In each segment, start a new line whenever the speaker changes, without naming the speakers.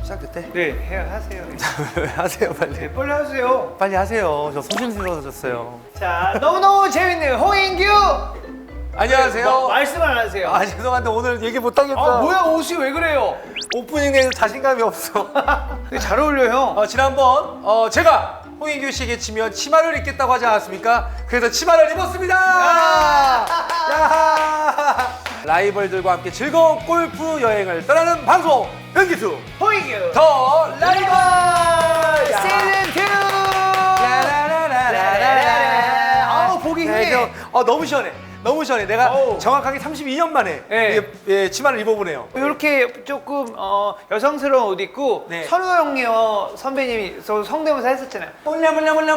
시작됐대?
네, 해야 하세요.
왜 하세요 빨리?
네, 빨리 하세요.
빨리 하세요. 저 소심스러워졌어요.
자, 너무너무 재밌는 홍인규.
안녕하세요.
말씀 안 하세요.
아 죄송한데 오늘 얘기 못하겠어요.
아, 뭐야 옷이 왜 그래요?
오프닝 내에서 자신감이 없어.
되게 잘 어울려 형.
지난번 제가 홍인규 씨에게 치면 치마를 입겠다고 하지 않았습니까? 그래서 치마를 입었습니다. 야! 라이벌들과 함께 즐거운 골프 여행을 떠나는 방송 변기수
홍인규
더 라이벌
시즌 2. 아우 보기 힘내.
너무 시원해. 너무 시원해. 내가
어우.
정확하게 32년 만에
네.
치마를 입어보네요.
이렇게 조금 여성스러운 옷 입고
네.
선우 형님 선배님이 성대모사 했었잖아요.
몰라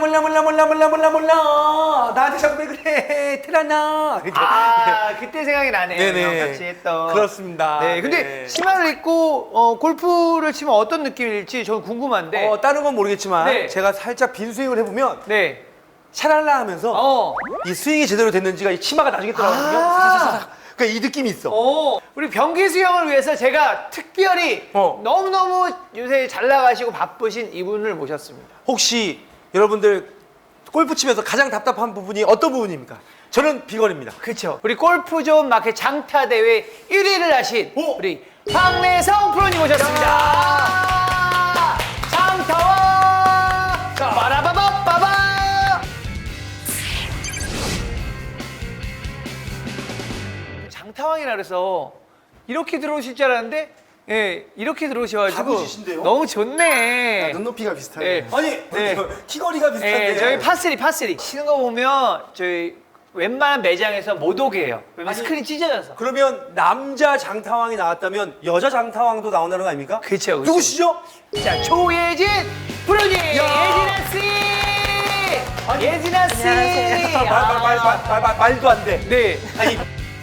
나한테 자꾸 왜 그래 티라나 이렇게.
아 그때 생각이 나네요.
네네.
형 같이 했던.
그렇습니다.
네, 근데 치마를 입고 골프를 치면 어떤 느낌일지 저는 궁금한데.
다른 건 모르겠지만
네.
제가 살짝 빈 스윙을 해보면
네.
샤랄라 하면서 이 스윙이 제대로 됐는지가 이 치마가 나중에 들어가거든요. 사사사사. 그러니까 이 느낌이 있어.
우리 변기수 형을 위해서 제가 특별히 너무너무 요새 잘 나가시고 바쁘신 이분을 모셨습니다.
혹시 여러분들 골프 치면서 가장 답답한 부분이 어떤 부분입니까? 저는 비건입니다.
그렇죠. 우리 골프존 마켓 장타 대회 1위를 하신
오!
우리 황래성 프로님 모셨습니다. 장타왕 빠라바바바바. 장타왕이라 그래서 이렇게 들어오실 줄 알았는데 예, 이렇게 들어오셔가지고
가보시신데요?
너무 좋네.
눈높이가 비슷하네.
네.
아니
네.
키거리가 비슷한데.
예, 저희 파스리 치는 거 보면 저희 웬만한 매장에서 못 오게 해요. 왜냐면
아니,
스크린 찢어져서.
그러면 남자 장타왕이 나왔다면 여자 장타왕도 나온다는 거 아닙니까?
그쵸.
누구시죠?
자, 조예진 프로님, 예진아 씨, 예진아 씨.
말도 안 돼.
네.
아니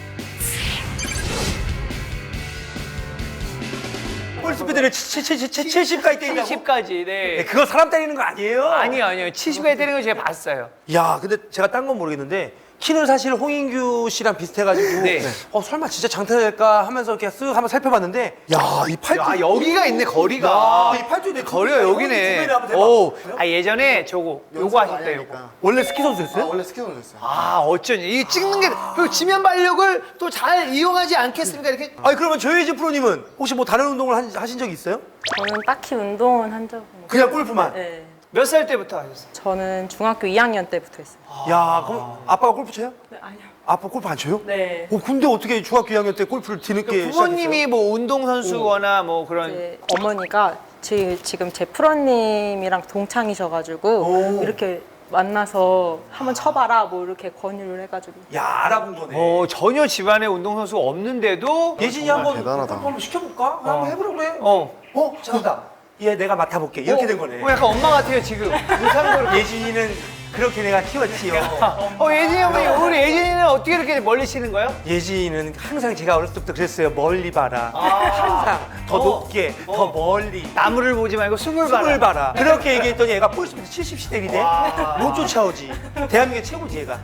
볼스피드를 70까지 때린다고?
70까지. 네.
네, 그거 사람 때리는 거 아니에요?
아니요. 70까지 때리는 거 제가 봤어요.
야, 근데 제가 딴 건 모르겠는데 키는 사실 홍인규 씨랑 비슷해가지고
네.
설마 진짜 장타 될까 하면서 이렇게 쓱 한번 살펴봤는데 야, 이 팔뚝
아, 여기가 있네, 거리가.
야, 이 팔뚝 내
거리가 여기네. 오, 예전에 요거 하셨대요, 요거.
원래 스키 선수였어요?
원래 스키 선수였어요.
어쩐지. 이 찍는 게, 그 지면 발력을 또 잘 이용하지 않겠습니까? 이렇게.
아니 그러면 조혜진 프로님은 혹시 뭐 다른 운동을 하신 적이 있어요?
저는 딱히 운동은 한 적은 없어요.
그냥 골프만?
네.
몇 살 때부터 하셨어요?
저는 중학교 2학년 때부터 했어요.
야, 그럼 아빠가 골프 쳐요?
네, 아니요.
아빠 골프 안 쳐요?
네.
근데 어떻게 중학교 2학년 때 골프를 뒤늦게
부모님이 뭐 운동선수거나 뭐 그런.
제 어머니가 지금 제 프로님이랑 동창이셔가지고 이렇게 만나서 한번 쳐봐라 뭐 이렇게 권유를 해가지고.
야, 알아본 거네.
전혀 집안에 운동선수가 없는데도.
예진이 한번
대단하다.
골프 한번 시켜볼까? 한번 해보라 그래. 잘한다. 얘 내가 맡아볼게. 이렇게 된 거네.
약간 엄마 같아요, 지금. 무상으로.
예진이는 그렇게 내가 키웠지요.
예진이 어머니, 우리 예진이는 어떻게 이렇게 멀리 치는 거예요?
예진이는 항상 제가 어렸을 때부터 그랬어요. 멀리 봐라. 항상 더 높게, 더 멀리.
나무를 보지 말고 숨을 봐라.
숨을 봐라. 그렇게 얘기했더니 얘가 볼스피드 70시대이네. 못 쫓아오지. 대한민국의 최고지 얘가.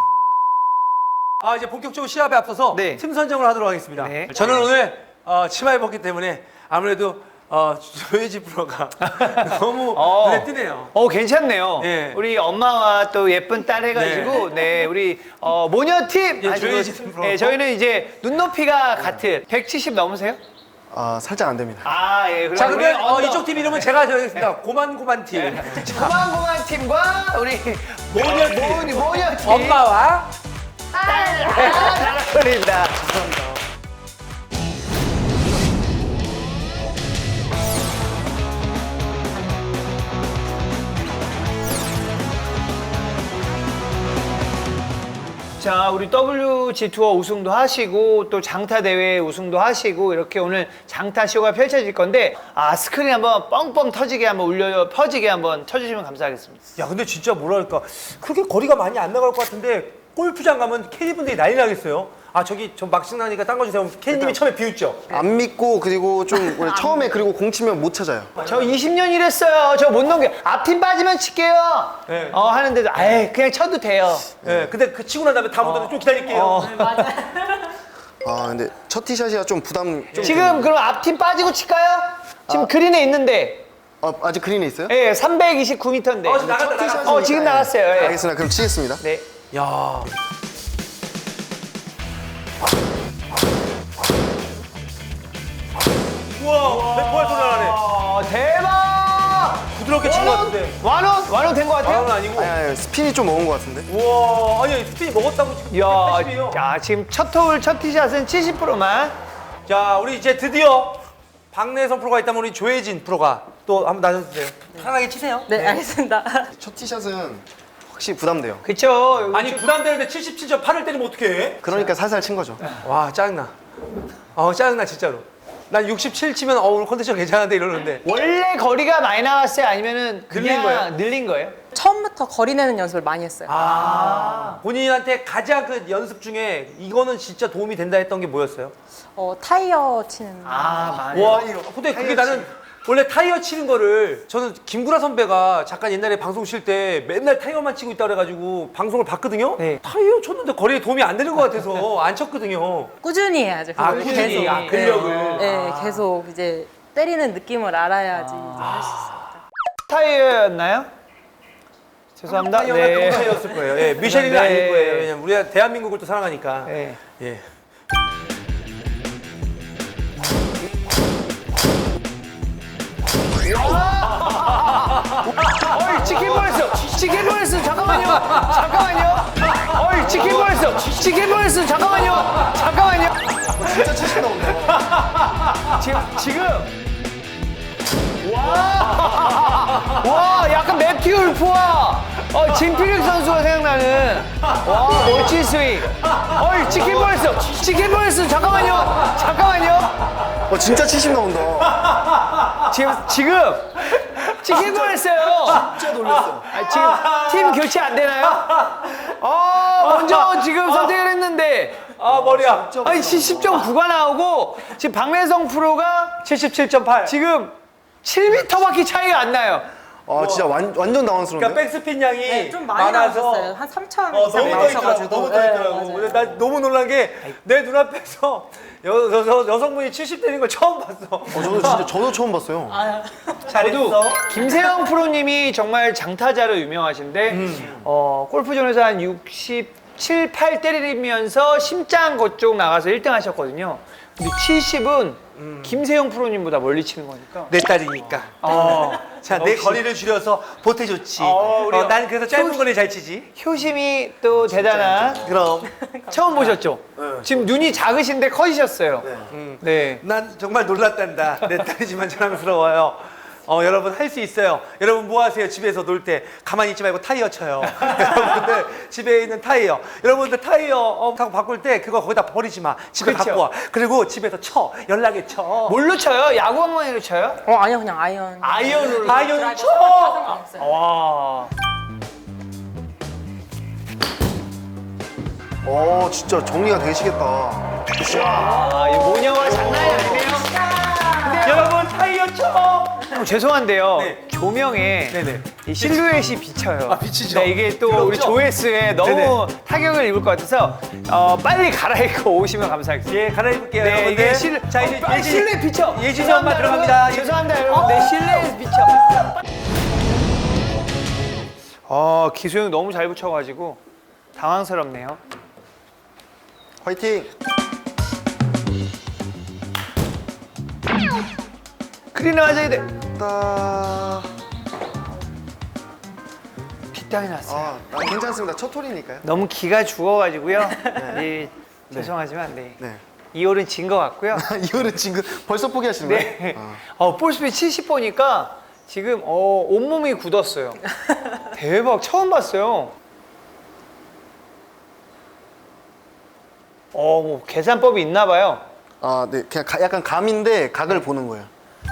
이제 본격적으로 시합에 앞서서
네.
팀 선정을 하도록 하겠습니다.
네.
저는 오늘 치마 입었기 때문에 아무래도 조혜지 프로가 너무 눈에 띄네요.
괜찮네요.
네.
우리 엄마와 또 예쁜 딸 해가지고, 우리 모녀팀.
예,
아시고,
조혜진 프로.
네, 저희는 이제 눈높이가 같은 170 넘으세요?
살짝 안 됩니다.
예.
자,
우리
그러면 이쪽 팀 이름은 제가 정하겠습니다. 고만고만 팀.
고만고만 팀과 우리
모녀팀.
모녀팀.
엄마와
잘 어울린다. 자, 우리 WG 투어 우승도 하시고 또 장타 대회 우승도 하시고 이렇게 오늘 장타 쇼가 펼쳐질 건데 스크린 한번 뻥뻥 터지게 한번 울려 퍼지게 한번 쳐주시면 감사하겠습니다.
야, 근데 진짜 뭐랄까 그렇게 거리가 많이 안 나갈 것 같은데 골프장 가면 캐디분들이 난리 나겠어요. 저기 좀 막신 나니까 딴 거 주세요. 캐디님이 처음에 비웃죠?
안 믿고 그리고 좀 원래 처음에 그리고 공 치면 못 찾아요.
저 20년 일했어요. 저 못 넘겨. 앞팀 빠지면 칠게요.
네.
하는데도 그냥 쳐도 돼요.
네, 근데 그 치고 난 다음에 다음 분들은 좀 기다릴게요.
근데 첫 티샷이라 좀 부담 좀
지금 그럼 앞팀 빠지고 칠까요? 지금 그린에 있는데
아직 그린에 있어요?
예, 329m인데.
지금 나갔다.
지금 나갔어요. 예.
알겠습니다. 그럼 치겠습니다.
네.
야. 우와, 백보알 소리 나네.
대박!
부드럽게 친 것 같은데.
완원 된 것 같아요?
만원 아니고.
아니, 스핀이 좀 먹은 것 같은데.
우와, 아니 스피니 먹었다고 지금.
야,
80이에요.
야, 지금 첫 홀, 첫 티샷은 70%만.
자, 우리 이제 드디어 박내성 프로가 있다면 우리 조혜진 프로가 또 한번 나서주세요. 편하게 치세요.
네, 알겠습니다.
첫 티샷은 확실히 부담돼요.
그쵸.
아니 부담되는데 77.8을 때리면 어떡해?
그러니까 살살 친 거죠.
와 짜증나. 짜증나 진짜로. 난 67 치면 오늘 컨디션 괜찮은데 이러는데.
원래 거리가 많이 나왔어요? 아니면은 그냥
늘린 거예요?
늘린 거예요?
처음부터 거리 내는 연습을 많이 했어요.
본인한테 가장 그 연습 중에 이거는 진짜 도움이 된다 했던 게 뭐였어요?
타이어 치는.
많이.
와, 근데 그게 나는 원래 타이어 치는 거를 저는 김구라 선배가 잠깐 옛날에 방송 쉴 때 맨날 타이어만 치고 있다 그래가지고 방송을 봤거든요.
네.
타이어 쳤는데 거리에 도움이 안 되는 것 같아서 안 쳤거든요.
꾸준히 해야죠. 그걸
꾸준히.
계속.
근력을.
네, 계속 이제 때리는 느낌을 알아야지 할 수 있어요.
타이어였나요? 죄송합니다.
타이어가 네. 타이어였을 거예요. 예, 미쉐린은
네.
아닐 거예요. 왜냐면 우리가 대한민국을 또 사랑하니까.
네.
예.
어이, 치킨 보냈어. 치킨 보냈어. 잠깐만요. 어이, 치킨 보냈어. 치킨 보냈어. 잠깐만요.
진짜 치신 나온다.
지금. 와, 약간 매튜 울프와 진필릭 선수가 생각나는. 와, 멋진 스윙. 어이, 치킨 보냈어. 잠깐만요.
진짜 치신 나온다.
지금 치킨 보냈어요.
진짜 놀랐어.
지금 팀 교체 안 되나요? 먼저 지금 선택을 했는데.
머리야.
아니 70.9가 나오고 지금 박내성 프로가
77.8.
지금 7m밖에 차이가 안 나요.
진짜 완전 당황스러운데.
그러니까 백스핀 양이
네, 좀 많이
많아서
나왔었어요. 한 3천
너무
이상
떠 있더라고.
나오셔가지고.
너무 떠 있더라고.
네,
근데
맞아요.
나 너무 놀란 게 내 눈앞에서 여성분이 70 되는 걸 처음 봤어.
저도 처음 봤어요.
잘했어.
김세영 프로님이 정말 장타자로 유명하신데 골프존에서 한 67, 8 때리면서 심장 그쪽 나가서 1등 하셨거든요. 근데 70은 김세영 프로님보다 멀리 치는 거니까.
내 딸이니까. 자, 내 거리를 줄여서 보태줬지. 난 그래서 짧은 거리 잘 치지.
효심이 또 대단한.
그럼.
처음 보셨죠? 지금 눈이 작으신데 커지셨어요. 네.
난 정말 놀랐단다. 내 딸이지만 자랑스러워요. 여러분 할 수 있어요. 여러분 뭐 하세요? 집에서 놀 때 가만히 있지 말고 타이어 쳐요. 여러분들 집에 있는 타이어. 여러분들 타이어 타고 바꿀 때 그거 거기다 버리지 마. 집에
그쵸.
갖고 와. 그리고 집에서 쳐. 연락에 쳐.
뭘로 쳐요? 야구 방망이로 쳐요?
아니요, 그냥 아이언.
아이언으로.
아이언 쳐.
와.
진짜 정리가 되시겠다.
이 모녀가 장난이 아니네요.
여러분 타이어 쳐.
죄송한데요.
네.
조명에
네네.
이 실루엣이 비쳐요.
비치죠.
네, 이게 또 우리
부럽죠?
조회수에 너무
네네.
타격을 입을 것 같아서 빨리 갈아입고 오시면 감사하겠습니다.
예, 갈아입을게요.
네,
여러분들.
이게
자, 이제
실내 비쳐.
예진이 엄마 들어갑니다.
죄송합니다, 여러분. 네, 실내에서 비쳐. 기소형 너무 잘 붙여가지고 당황스럽네요.
화이팅!
크린에 맞아야 돼. 뒷땅이 났어요.
괜찮습니다. 첫 홀이니까요.
너무 기가 죽어가지고요. 죄송하지만 네.
네.
이 홀은 진 것 같고요.
이거는 지금 벌써 포기하시는 거예요?
네. 볼스피드 70 보니까 지금 온몸이 굳었어요. 대박, 처음 봤어요. 뭐 계산법이 있나 봐요.
네. 그냥 약간 감인데 각을 보는 거예요.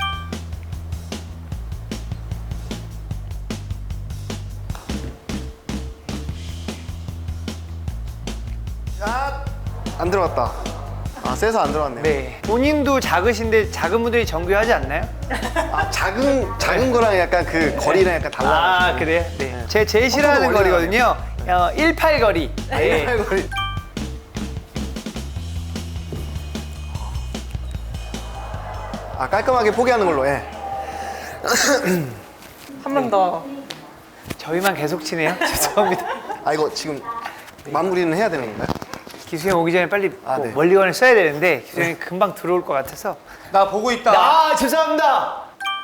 안 들어갔다. 세서 안 들어갔네요.
네. 본인도 작으신데 작은 분들이 정교하지 않나요?
작은 거랑 약간 그 거리랑 약간 달라.
그래요? 네. 제 제일 싫어하는
멀리
거리거든요. 18 거리. 네.
거리. 아, 깔끔하게 포기하는 걸로. 예.
한 번 더.
저희만 계속 치네요. 죄송합니다.
아, 이거 지금 마무리는 해야 되는 건가요?
기수형 오기 전에 빨리
아, 네.
멀리건을 써야 되는데 기수형이 금방 들어올 것 같아서.
나 보고 있다.
아 죄송합니다.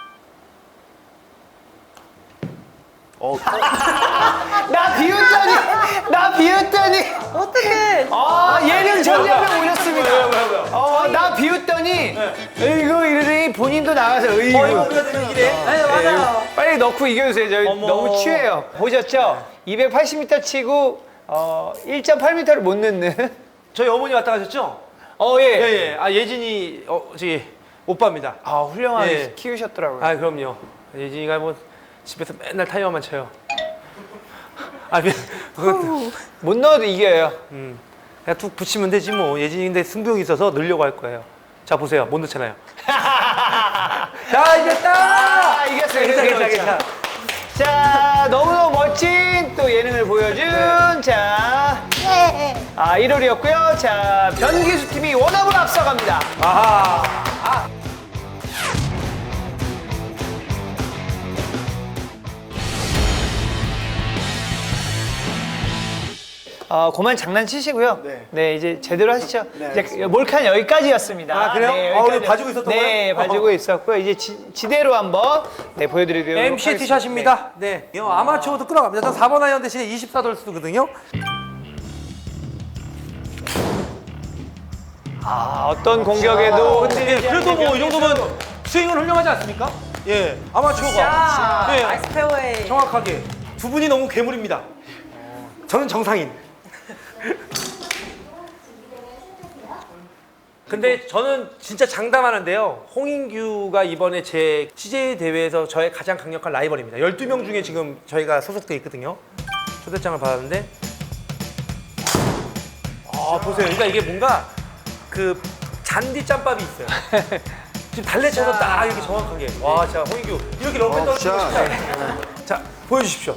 나 비웃더니
어떡해.
예능 전략을 올렸습니다. 나 비웃더니 이거 이러더니 본인도 나가서
이거
이거
우리가 되면 이래. 아니, 맞아요.
빨리 넣고 이겨주세요. 저희
어머.
너무 취해요. 보셨죠? 280m 치고 1.8m를 못 넣는.
저희 어머니 왔다 가셨죠?
예.
예. 아, 예진이, 저기, 오빠입니다.
훌륭하게
예.
키우셨더라고요.
아, 그럼요. 예진이가 뭐, 집에서 맨날 타이어만 쳐요. 아,
못 넣어도 이겨요.
그냥 툭 붙이면 되지 뭐. 예진이 근데 승부욕이 있어서 넣으려고 할 거예요. 자, 보세요. 못 넣잖아요. 자, 이겼다!
이겼어요.
괜찮아.
자, 너무너무 멋진 또 예능을 보여준 자 1월이었고요. 자, 변기수 팀이 원업을 앞서갑니다.
아하.
그만 장난치시고요. 네, 이제 제대로 하시죠.
네,
이제 몰카는 여기까지였습니다.
아, 그래요?
네,
오늘
여기까지.
봐주고 있었던 거예요?
네, 봐주고 있었고요. 이제 지대로 한번 보여드리도록
MC
하겠습니다.
티샷입니다. 네. 아마추어도 끌어갑니다. 저 4번 아이언 대신에 24돌 쓰거든요.
어떤 공격에도
근데 그래도 뭐 이 정도면 스윙은 훌륭하지 않습니까? 예. 아마추어가. 네.
나이스 페어웨이.
정확하게. 두 분이 너무 괴물입니다. 저는 정상인. 근데 저는 진짜 장담하는데요. 홍인규가 이번에 제 CJ 대회에서 저의 가장 강력한 라이벌입니다. 12명 중에 지금 저희가 소속돼 있거든요. 초대장을 받았는데 보세요. 그러니까 이게 뭔가 그 잔디 짬밥이 있어요. 지금 달래쳐서 딱 이렇게 정확하게. 와, 진짜 홍인규 이렇게 럼페 떨어지고
진짜.
싶다. 자, 보여주십시오.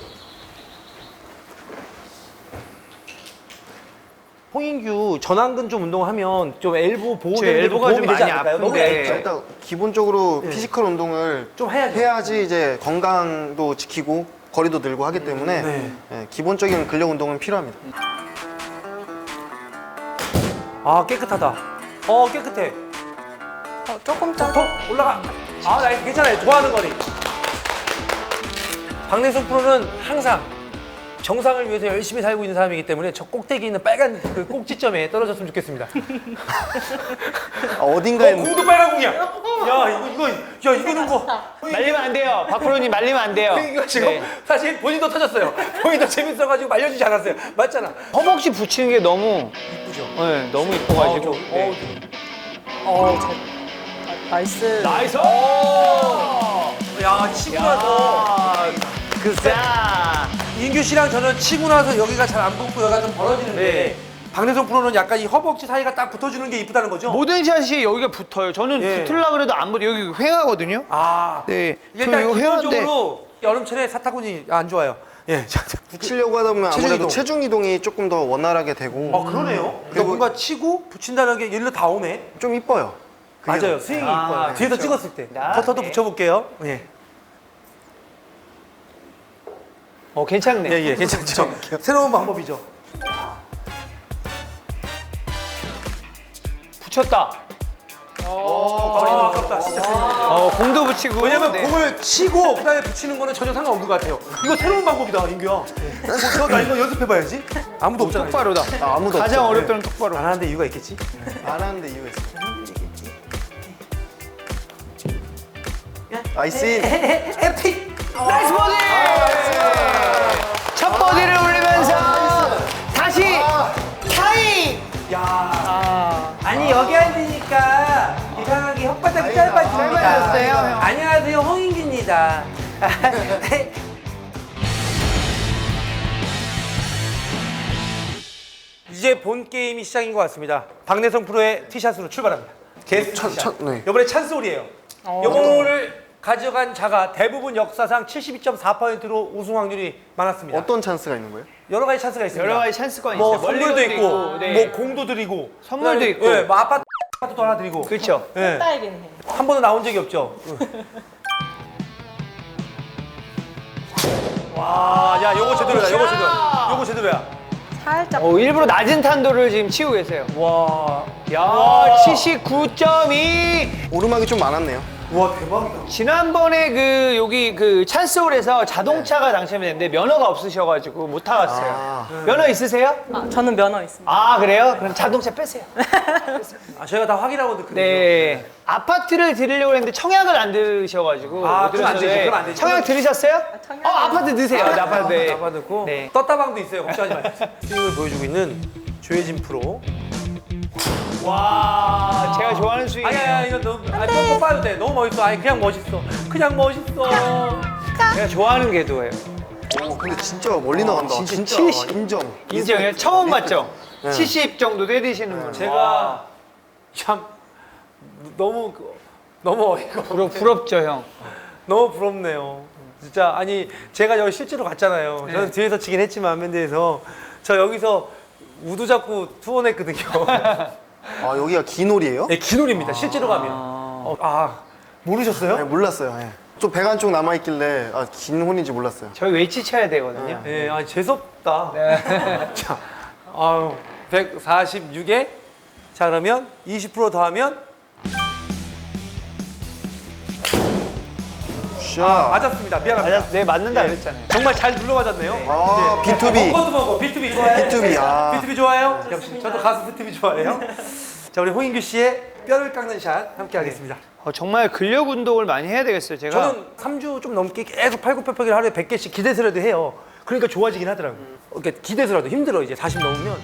홍인규 전완근 좀 운동하면 좀 엘보 보호되는
엘보가
도움이
좀
되지
많이
않을까요? 너무
아픈데.
얇죠?
일단 기본적으로 피지컬 운동을
좀 해야죠.
해야지 이제 건강도 지키고 거리도 늘고 하기 때문에
네.
예, 기본적인 근력 운동은 필요합니다.
아, 깨끗하다. 깨끗해.
조금
더
더.
올라가. 나이스. 괜찮아요. 좋아하는 거리. 박내성 프로는 항상 정상을 위해서 열심히 살고 있는 사람이기 때문에 저 꼭대기 있는 빨간 그 꼭지점에 떨어졌으면 좋겠습니다.
어딘가에
공도 빨간 공이야. 야, 이거는 뭐.
말리면 안 돼요. 박프로님 말리면 안 돼요.
이거 지금
네.
사실 본인도 터졌어요. 본인도 재밌어가지고 말려주지 않았어요. 맞잖아.
허벅지 붙이는 게 너무
이쁘죠?
네, 너무 이뻐가지고.
나이스.
나이스!
야, 치고 나서.
자,
인규 씨랑 저는 치고 나서 여기가 잘 안 붙고 여기가 좀 벌어지는데
네.
박내성 프로는 약간 이 허벅지 사이가 딱 붙어주는 게 이쁘다는 거죠?
모든 샷이 여기가 붙어요. 저는
예.
붙으려고 그래도 안 붙어요. 여기 횡하거든요.
이게
네.
일단
이거 횡한데.
기본적으로 여름철에 사타구니 안 좋아요. 예.
붙이려고 하다 보면
체중
아무래도
이동.
체중 이동이 조금 더 원활하게 되고
그러네요. 그러니까
그리고-
뭔가 치고 붙인다는 게 일로 다 오네.
좀 이뻐요. 그게
맞아요. 스윙이
아,
이뻐요. 뒤에서
그렇죠.
찍었을 때.
나,
퍼터도
네.
붙여볼게요. 예.
괜찮네.
예, 괜찮죠. 새로운 방법이죠.
붙였다.
거리는 아깝다. 진짜.
공도 붙이고.
왜냐면
네.
공을 치고 그다음에 붙이는 거는 전혀 상관없는 것 같아요. 이거 새로운 방법이다, 인규야. 나 이거 연습해봐야지. 아무도 없잖아.
똑바로다.
아무도
가장
없죠.
어렵다는 똑바로.
안 하는데 이유가 있겠지?
안 하는데 이유가 있어요. 나이스.
에픽!
나이스 버디! 첫 버디를 올리면서 다시 타이!
아니 여기 앉으니까 이상하게 혓바닥이 짧아집니다.
짧아졌어요, 형.
안녕하세요, 홍인규입니다. 이제 본 게임이 시작인 것 같습니다. 박내성 프로의 티샷으로 출발합니다. 게스트 티샷.
네.
이번에 찬스홀이에요. 이번을 가져간 자가 대부분 역사상 72.4%로 우승 확률이 많았습니다.
어떤 찬스가 있는 거예요?
여러 가지 찬스가 있습니다.
여러 가지 찬스가
뭐
있어요.
선물도
멀리건도
있고,
네.
뭐 공도 드리고,
선물도
그다음에,
있고.
예, 뭐 아파트 또 하나 드리고.
그렇죠.
예.
딸기는 해.
한 번도 나온 적이 없죠. 와, 야, 요거 제대로야. 요거 제대로. 요거 제대로야.
살짝.
일부러 낮은 탄도를 지금 치우고 계세요.
와,
야, 79.2.
오르막이 좀 많았네요.
와 대박이다.
지난번에 그 여기 그 찬스홀에서 자동차가 당첨이 됐는데 면허가 없으셔가지고 못 타갔어요. 면허 있으세요?
아, 저는 면허 있습니다.
아 그래요? 그럼 자동차 빼세요.
아, 저희가 다 확인하고 듣거든요.
네. 아파트를 드리려고 했는데 청약을 안 들으셔가지고
아,
못
그건 안 되지,
들으셨는데
그건 안 되지.
청약 들으셨어요?
청약은-
아파트 드세요. 네, 아파트. 네.
아빠 듣고
네.
떴다방도 있어요. 걱정하지 마세요. 스윙을 보여주고 있는 조혜진 프로.
와, 제가 좋아하는 스윙이에요.
아니야, 이거 너무 꼭 봐도 돼. 너무 멋있어. 아니 그냥 멋있어. 그냥 멋있어.
제가 좋아하는 궤도예요.
근데 진짜 멀리 나간다.
진짜
진짜
70.
인정.
인정해요? 처음 봤죠? 70 정도 때리시는 분.
제가 참 너무 어이가 없네.
부럽죠, 형.
너무 부럽네요. 진짜 아니 제가 여기 실제로 갔잖아요. 저는 뒤에서 치긴 했지만 맨대에서 저 여기서 우두 잡고 투혼했거든요.
아 여기가 기놀이에요?
네, 기놀입니다. 실제로 가면. 모르셨어요?
네, 몰랐어요. 예. 좀 배가 한쪽 남아 있길래 긴 혼인지 몰랐어요.
저희 웨이치 쳐야 되거든요.
네, 아 재수없다.
네.
자, 146에 자 그러면 20% 더하면
샷.
맞았습니다. 미안합니다.
맞았, 네, 맞는다 그랬잖아요.
정말 잘 눌러 맞았네요.
아, B2B.
먹어도 먹어. B2B 좋아해요?
B2B, 아.
B2B 좋아해요? 역시 저도 가수 B2B 좋아해요. 자, 우리 홍인규 씨의 뼈를 깎는 샷 함께 하겠습니다.
정말 근력 운동을 많이 해야 되겠어요, 제가.
저는 3주 좀 넘게 계속 팔굽혀펴기를 하루에 100개씩 기대서라도 해요. 그러니까 좋아지긴 하더라고요. 그러니까 기대서라도 힘들어 이제 40 넘으면.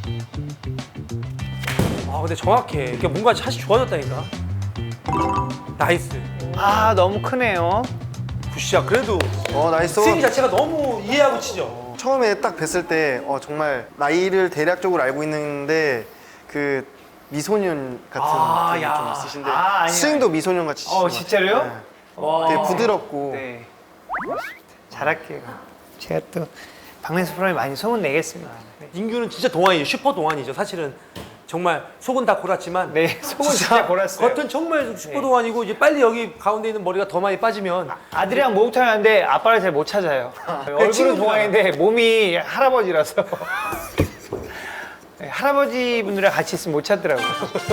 아 근데 정확해. 그러니까 뭔가 샷이 좋아졌다니까. 나이스.
너무 크네요.
굿샷. 그래도
나이스.
스윙 자체가 너무 이해하고 치죠.
처음에 딱 뵀을 때 정말 나이를 대략적으로 알고 있는데 그 미소년 같은 느낌이
야.
좀 있으신데
아니요.
스윙도 미소년 같이 치시는 것 같아요.
진짜로요?
네.
와.
되게 부드럽고
네. 잘할게요. 제가 또 박명수 프로님 많이 소문 내겠습니다.
인규는 진짜 동안이죠. 슈퍼 동안이죠. 사실은 정말 속은 다 골았지만
네, 속은 진짜 골았어요.
겉은 정말 슈퍼 동안이고 이제 빨리 여기 가운데 있는 머리가 더 많이 빠지면
아들이랑 목욕탕 하는데 아빠를 잘 못 찾아요. 얼굴은
친구구나.
동안인데 몸이 할아버지라서. 네, 할아버지 분들이랑 같이 있으면 못 찾더라고요.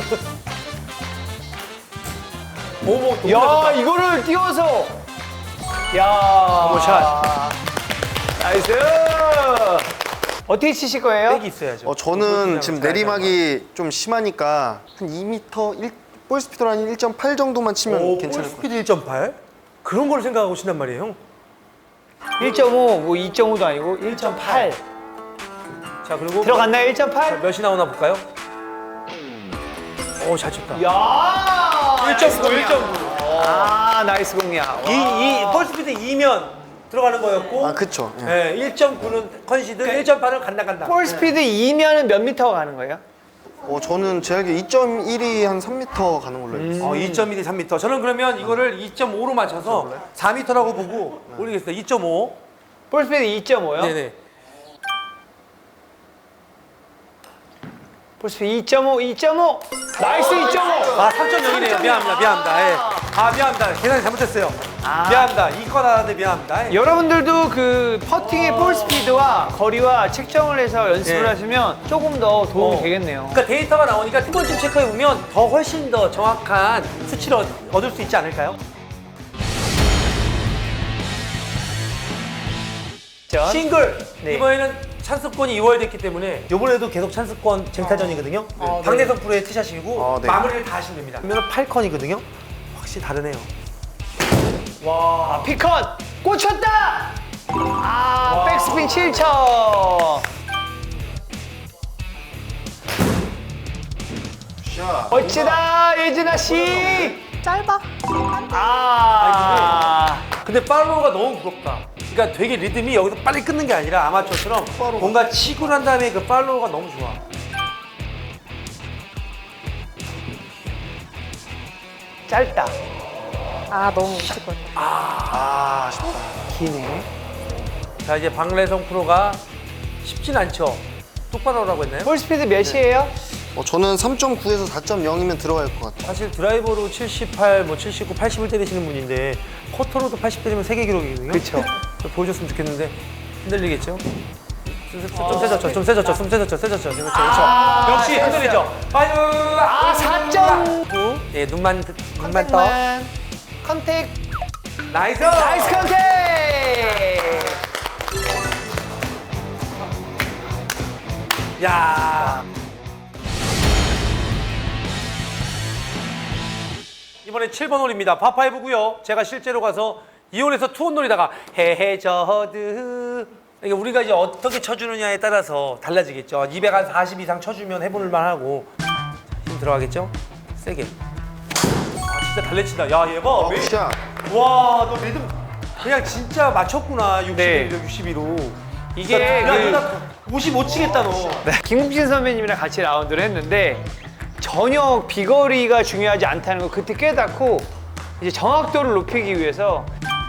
오모
야, 이거를 띄워서. 야.
샷.
나이스. 어떻게 치실 거예요?
백이 있어야죠.
저는 지금 내리막이 좀 심하니까 한 2m, 볼 스피드로 한 1.8 정도만 치면 괜찮을 것 같아요.
스피드 1.8? 그런 걸 생각하고 친단 말이에요, 형.
1.5, 뭐 2.5도 아니고 1.8.
자, 그리고
들어갔나요? 1.8?
몇이 나오나 볼까요? 오, 잘 쳤다.
야.
1.9, 1.9.
나이스 공략.
볼 스피드 2면 들어가는 거였고,
그쵸. 예.
네, 1.9는 컨시드, 1.8은 간다.
볼 스피드 2면은 몇 미터 가는 거예요?
저는 제 알기로 2.1이 한 3m 가는 걸로 알고 있어요.
2.1이 3m. 저는 그러면 이거를 2.5로 맞춰서 4m라고 보고 올리겠습니다. 2.5.
볼 스피드 2.5요?
네네.
볼 스피드 2.5. 나이스 2.5.
아, 3.0이네요. 미안합니다. 예. 미안합니다. 계산이 잘못했어요. 미안합니다. 이건 하는데 미안합니다. 예.
여러분들도 그 퍼팅의 볼 스피드와 거리와 책정을 해서 연습을
네.
하시면 조금 더 도움이 되겠네요.
그러니까 데이터가 나오니까 한 번쯤 체크해 보면 더 훨씬 더 정확한 수치를 얻을 수 있지 않을까요? 싱글
네.
이번에는 찬스권이 2월 됐기 때문에 이번에도 계속 찬스권 쟁탈전이거든요. 박내성 프로의 티샷이고
네.
마무리를 다 하시면 됩니다. 그러면 8컨이거든요. 확실히 다르네요.
피컷 꽂혔다. 백스핀 7점.
샷.
멋지다 예진아 씨.
짧아.
근데 팔로우가 너무 부럽다. 그러니까 되게 리듬이 여기서 빨리 끊는 게 아니라 아마추어처럼 뭔가 치고 난 다음에 그 팔로우가 너무 좋아.
짧다.
너무 웃을 것 같아.
아쉽다.
기네.
자 이제 박래성 프로가 쉽진 않죠. 똑바로 하라고 했나요?
볼 스피드 몇이에요?
저는 3.9에서 4.0이면 들어갈 것 같아요.
사실 드라이버로 78, 뭐 79, 80을 때리시는 분인데 커터로도 80 때리면 세계 기록이거든요.
그쵸.
보여줬으면 좋겠는데 흔들리겠죠? 좀 세졌죠, 좀 세졌죠, 좀 세졌죠, 세졌죠. 그렇죠, 그렇죠. 역시 흔들리죠. 아유,
4.9.
예, 눈만 떠.
컨택.
나이스.
나이스 컨택.
야. 이번에 7번 홀입니다. 파5고요. 제가 실제로 가서 이 홀에서 투혼 놀이다가 헤헤저드 이게 우리가 이제 어떻게 쳐주느냐에 따라서 달라지겠죠. 240 이상 쳐주면 해볼만 하고 힘 들어가겠죠? 세게. 아 진짜 달래친다. 야 얘 봐.
샷.
와너 리듬 그냥 진짜 맞췄구나. 61로
네.
62로.
이게
야, 55 치겠다 너.
김국진 선배님이랑 같이 라운드를 했는데 전혀 비거리가 중요하지 않다는 걸 그때 깨닫고 이제 정확도를 높이기 위해서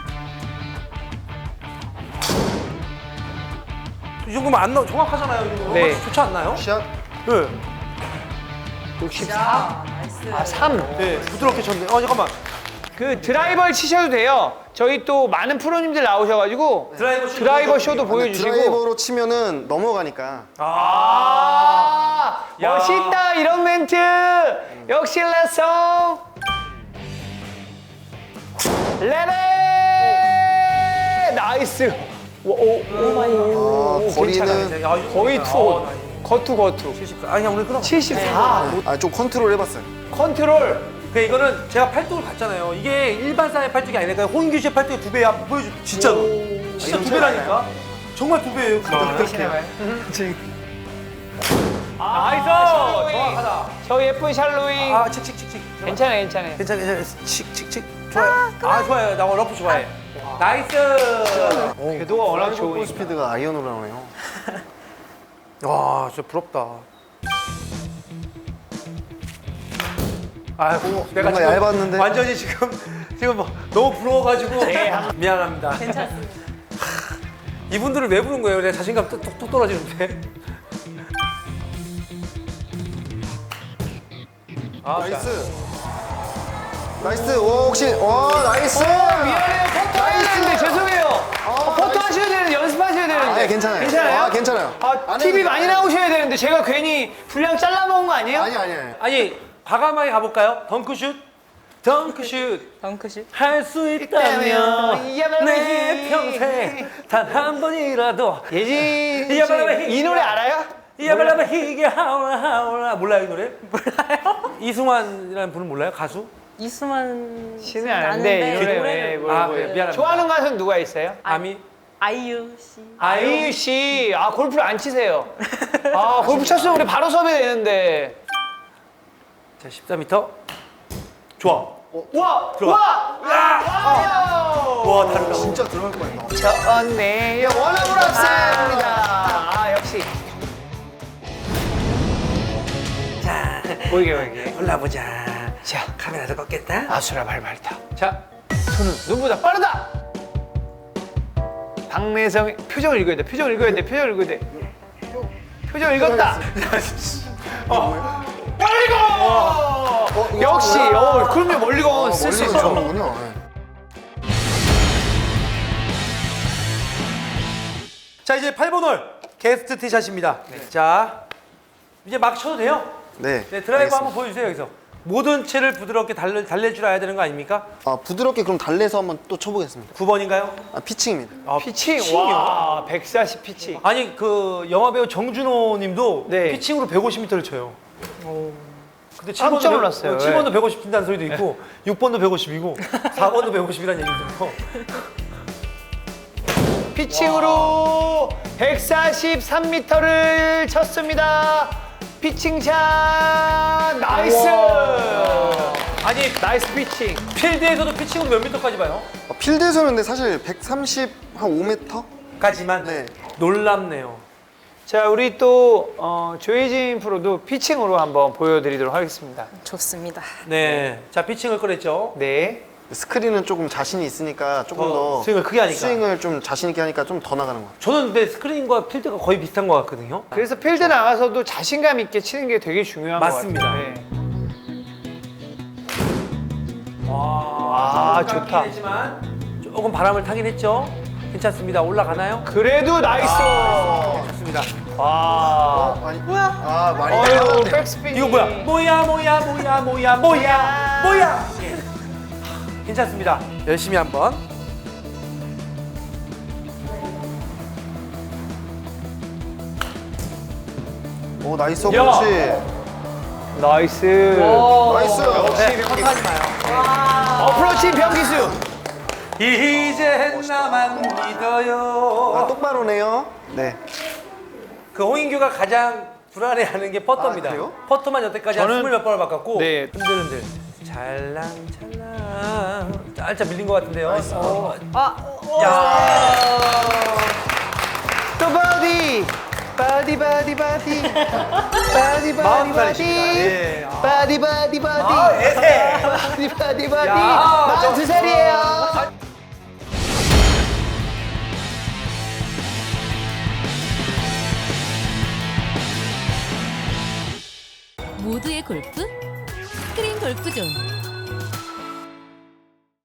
이 정도면 안 정확하잖아요. 이 정도.
네.
좋지 않나요?
샷.
네.
64. 아, 3.
네, 부드럽게 쳤네. 잠깐만.
그 드라이버를 치셔도 돼요. 저희 또 많은 프로님들 나오셔가지고 드라이버 쇼도 보여주시고.
드라이버로 치면은 넘어가니까.
아,
야.
멋있다 이런 멘트. 역시 레송. 레레. 나이스.
거리는
거의 투. 거투.
74. 아니, 오늘 끊어.
74.
좀 컨트롤 해봤어요.
컨트롤.
그 이거는 제가 팔뚝을 봤잖아요. 이게 일반 사람의 팔뚝이 아니라 홍인규 씨의 팔뚝의 2배야. 보여줘. 진짜로. 진짜 2배라니까. 정말 2배예요. 나이스. 정확하다.
저 예쁜 샬로잉.
아, 칙칙칙칙.
괜찮아요.
괜찮아. 칙칙칙. 좋아요. 좋아요. 나 러프 좋아해. 나이스.
궤도가 워낙
볼
좋으니까.
스피드가 아이언으로 나오네요.
와, 진짜 부럽다. 아이고, 내가
뭔가 얇았는데.
완전히 지금 뭐 너무 부러워가지고 미안합니다.
괜찮습니다.
이분들을 왜 부른 거예요? 내 자신감 뚝 떨어지는데.
나이스. 나이스. 오, 혹시 나이스.
미안해요. 포토 해야 되는데 죄송해요. 포토 하셔야 되는데 연습하셔야 되는데.
괜찮아요.
괜찮아요?
괜찮아요. 안
TV
해도
많이
돼요.
나오셔야 되는데 제가 괜히 분량 잘라먹은 거 아니에요?
아니.
아니, 과감하게 가볼까요? 덩크슛.
덩크슛.
할 수 있다면
있다면
내 평생 단 한 번이라도
예진
이 야발라바
씨, 이 노래 알아요?
이야발라바 희게 하울라 몰라요 이 노래? 몰라요. 이승환이라는 분은 몰라요? 가수?
이수만
씨는 아는데 이 노래 왜
미안합니다.
좋아하는 가수는 누가 있어요?
아미?
아이유 씨.
아이유 씨. 골프를 안 치세요. 골프 쳤으면 우리 바로 섭외되는데.
자, 14m. 좋아.
와!
들어와. 와, 다르다.
진짜 들어갈 뻔했다.
좋네요. 원어블 합세입니다. 역시.
자,
보이게.
올라보자.
자,
카메라도 껐겠다.
아수라 발발타.
자,
손은 눈보다 빠르다. 박내성 표정을 읽어야 돼. 표정을 읽어야 돼. 표정 읽었다. 멀리건. 역시. 그럼요. 멀리건 쓸 수 있어.
좋은군요.
자 이제 8번 홀 게스트 티샷입니다. 자, 이제 막 쳐도 돼요?
네.
네, 드라이버 한번 보여주세요 여기서. 모든 채를 부드럽게 달랠 줄 알아야 되는 거 아닙니까?
부드럽게 그럼 달래서 한번 또 쳐보겠습니다.
9번인가요?
피칭입니다.
피칭.
피칭이요?
와, 140 피칭.
아니 그 영화배우 정준호 님도
네.
피칭으로 150m를 쳐요. 근데
깜짝 놀랐어요.
7번도 150 뛴다는 소리도 있고 6번도 150이고 4번도 150이라는 얘기도 있고.
피칭으로 143m를 쳤습니다. 피칭샷 나이스.
아니
나이스 피칭.
필드에서도 피칭으로 몇 미터까지 봐요?
필드에서는 사실 130, 한 5m?
까지만
네.
놀랍네요.
자, 우리 또 조혜진 프로도 피칭으로 한번 보여드리도록 하겠습니다.
좋습니다.
네, 자 피칭을 꺼냈죠.
네.
스크린은 조금 자신이 있으니까 조금 더
스윙을 크게 하니까.
스윙을 좀 자신 있게 하니까 좀 더 나가는 것 같아요.
저는 근데 스크린과 필드가 거의 비슷한 것 같거든요.
그래서 필드 나가서도 자신감 있게 치는 게 되게 중요한
맞습니다.
것 같아요. 네.
와,
좋다.
했지만 조금 바람을 타긴 했죠. 괜찮습니다. 올라가나요?
그래도 나이스.
좋습니다.
와.
아니, 아, 많이
어유 백스핀.
이거 뭐야? 뭐야? 예. 괜찮습니다. 열심히 한번.
오, 나이스
야.
어프로치.
나이스.
나이스.
네, 컷하지 마요.
어프로치 병기수.
이젠 나만 믿어요.
아, 똑바로네요. 네.
그 홍인규가 가장 불안해하는 게 퍼터입니다.
아, 그래요?
퍼터만 여태까지 한
저는-
20몇 번을 바꿨고
네.
흔들흔들 찰랑찰랑 살짝 밀린 것 같은데요. 야,
또 바디. 바디 바디 바디. 바디 바디
40살이십니다. 예.
바디 바디 바디.
아, 에세.
바디 바디 바디.
야,
42살이에요.
모두의 골프 스크린 골프존